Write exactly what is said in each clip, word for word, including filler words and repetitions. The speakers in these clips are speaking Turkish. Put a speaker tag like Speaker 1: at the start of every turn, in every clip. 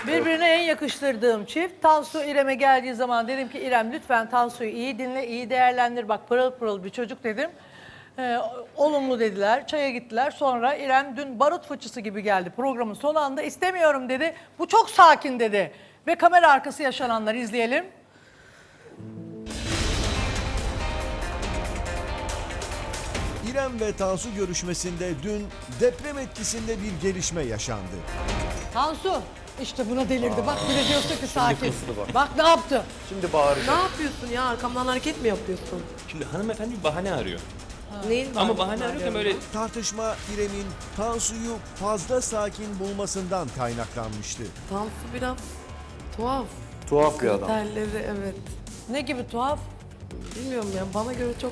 Speaker 1: Birbirine en yakıştırdığım çift. Tansu İrem'e geldiği zaman dedim ki İrem lütfen Tansu'yu iyi dinle, iyi değerlendir. Bak pırıl pırıl bir çocuk dedim. Ee, olumlu dediler, çaya gittiler. Sonra İrem dün barut fıçısı gibi geldi. Programın son anda istemiyorum dedi. Bu çok sakin dedi. Ve kamera arkası yaşananları izleyelim.
Speaker 2: İrem ve Tansu görüşmesinde dün deprem etkisinde bir gelişme yaşandı.
Speaker 1: Tansu işte buna delirdi. Bak bir de diyorsun ki sakin.
Speaker 3: kızdı bak.
Speaker 1: Bak ne yaptı?
Speaker 3: Şimdi
Speaker 4: Ne
Speaker 3: bağıracak.
Speaker 4: yapıyorsun ya? Arkamdan hareket mi yapıyorsun?
Speaker 5: Şimdi hanımefendi bir bahane arıyor.
Speaker 4: Neyin
Speaker 5: Ama
Speaker 4: var?
Speaker 5: bahane arıyorken böyle
Speaker 2: Tartışma İrem'in Tansu'yu fazla sakin bulmasından kaynaklanmıştı.
Speaker 4: Tansu biraz tuhaf.
Speaker 3: Tuhaf bir adam.
Speaker 4: Terleri evet.
Speaker 1: Ne gibi tuhaf?
Speaker 4: Bilmiyorum ya bana göre çok...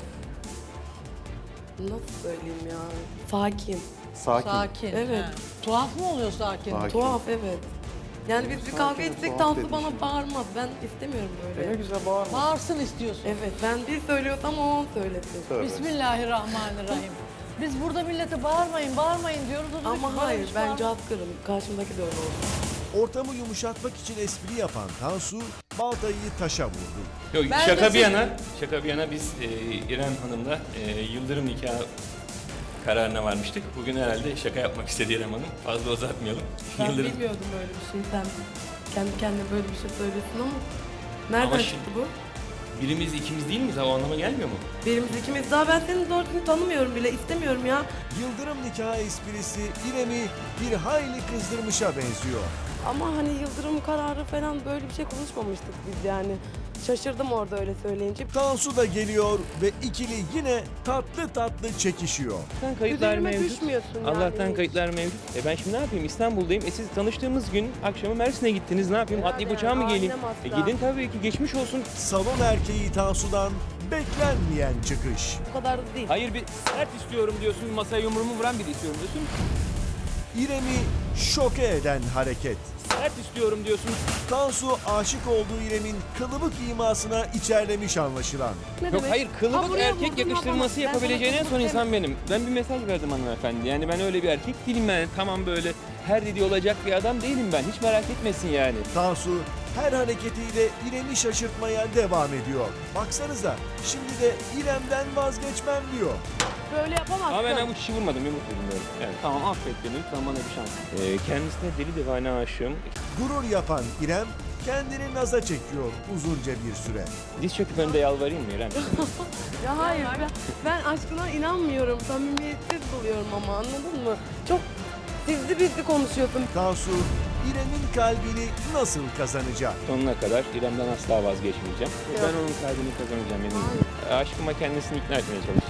Speaker 4: Nasıl söyleyeyim ya? Sakin.
Speaker 3: Sakin.
Speaker 1: Sakin.
Speaker 4: Evet.
Speaker 1: Ha. Tuhaf mı oluyor sakin?
Speaker 3: Sakin.
Speaker 4: Tuhaf evet. Yani biz bir
Speaker 3: Sakin,
Speaker 4: kavga etsek
Speaker 3: tuhaf
Speaker 4: Tansu
Speaker 3: dedi
Speaker 4: bana
Speaker 3: şimdi.
Speaker 4: bağırmaz. Ben istemiyorum
Speaker 3: E
Speaker 4: böyle.
Speaker 3: ne güzel bağırma.
Speaker 1: Bağırsın istiyorsun.
Speaker 4: Evet ben bir söylüyorsam o on söylesin.
Speaker 3: Tövbe.
Speaker 1: Bismillahirrahmanirrahim. Biz burada millete bağırmayın, bağırmayın diyoruz. O diyor ki,
Speaker 4: Ama
Speaker 1: bana
Speaker 4: hayır
Speaker 1: hiç
Speaker 4: ben
Speaker 1: bağırma.
Speaker 4: cazgırım. Karşımdaki de öyle oldu.
Speaker 2: Ortamı yumuşatmak için espri yapan Tansu baltayı taşa vurdu.
Speaker 5: Yok,
Speaker 1: Ben de
Speaker 5: şaka bir
Speaker 1: siz-
Speaker 5: yana, şaka bir yana biz e, İrem Hanım'la e, yıldırım nikahı kararına varmıştık. Bugün herhalde şaka yapmak istedi İrem Hanım. Fazla uzatmayalım.
Speaker 4: Ben
Speaker 5: Yıldırım.
Speaker 4: bilmiyordum böyle bir şey. Sen kendi kendine böyle bir şey söylesin ama nereden
Speaker 5: Ama
Speaker 4: çıktı bu?
Speaker 5: Birimiz ikimiz değil miyiz? O anlama gelmiyor mu?
Speaker 4: Birimiz ikimiz daha ben seni doğru düzgün tanımıyorum bile istemiyorum ya.
Speaker 2: Yıldırım nikahı esprisi İrem'i bir hayli kızdırmışa benziyor.
Speaker 4: Ama hani Yıldırım kararı falan böyle bir şey konuşmamıştık biz yani. Şaşırdım orada öyle söyleyince.
Speaker 2: Tansu da geliyor ve ikili yine tatlı tatlı çekişiyor.
Speaker 6: Allah'tan kayıtlar
Speaker 4: Üzerime
Speaker 6: mevcut.
Speaker 4: düşmüyorsun yani.
Speaker 6: Allah'tan kayıtlar mevcut. E ben şimdi ne yapayım? İstanbul'dayım. E siz tanıştığımız gün akşamı Mersin'e gittiniz. Ne yapayım?
Speaker 4: Yani
Speaker 6: Atlayıp uçağa mı geleyim?
Speaker 4: ailem
Speaker 6: E
Speaker 4: asla.
Speaker 6: gidin tabii ki. Geçmiş olsun.
Speaker 2: Salon erkeği Tansu'dan beklenmeyen çıkış.
Speaker 4: Bu kadar da değil.
Speaker 6: Hayır bir sert istiyorum diyorsun. Masaya yumruğumu vuran biri istiyorum diyorsun.
Speaker 2: İrem'i şoke eden hareket.
Speaker 6: Sert istiyorum diyorsun.
Speaker 2: Tansu aşık olduğu İrem'in kılıbık imasına içerlemiş anlaşılan.
Speaker 4: Ne
Speaker 6: Yok
Speaker 4: demek?
Speaker 6: hayır
Speaker 4: Ha,
Speaker 6: kılıbık
Speaker 4: buraya
Speaker 6: erkek
Speaker 4: vurdun,
Speaker 6: yakıştırması
Speaker 4: yapamazsın. Ben
Speaker 6: yapabileceğin en
Speaker 4: sana
Speaker 6: son
Speaker 4: kılıbık
Speaker 6: insan benim. Ben bir mesaj verdim hanımefendi. Yani ben öyle bir erkek değilim yani. Tamam böyle her dediği olacak bir adam değilim ben. Hiç merak etmesin yani.
Speaker 2: Tansu her hareketiyle İrem'i şaşırtmaya devam ediyor. Baksanıza şimdi de İrem'den vazgeçmem diyor.
Speaker 4: Böyle yapamazsın.
Speaker 6: Ama ben bu kişi vurmadım. Yumruk vurdum böyle. Evet. Tamam affet beni. Lütfen bana bir şans. Ee, kendisine deli divane aşığım.
Speaker 2: Gurur yapan İrem kendini naza çekiyor uzunca bir süre.
Speaker 6: Diz çöküp önünde yalvarayım mı İrem?
Speaker 4: Ya hayır ben, ben aşkına inanmıyorum. Samimiyetsiz buluyorum ama anladın mı? Çok sizli bizli konuşuyorsun.
Speaker 2: Tansu İrem'in kalbini nasıl kazanacak?
Speaker 6: Sonuna kadar İrem'den asla vazgeçmeyeceğim. Ben onun kalbini kazanacağım eminim. Aşkıma kendisini ikna etmeye çalışacağım.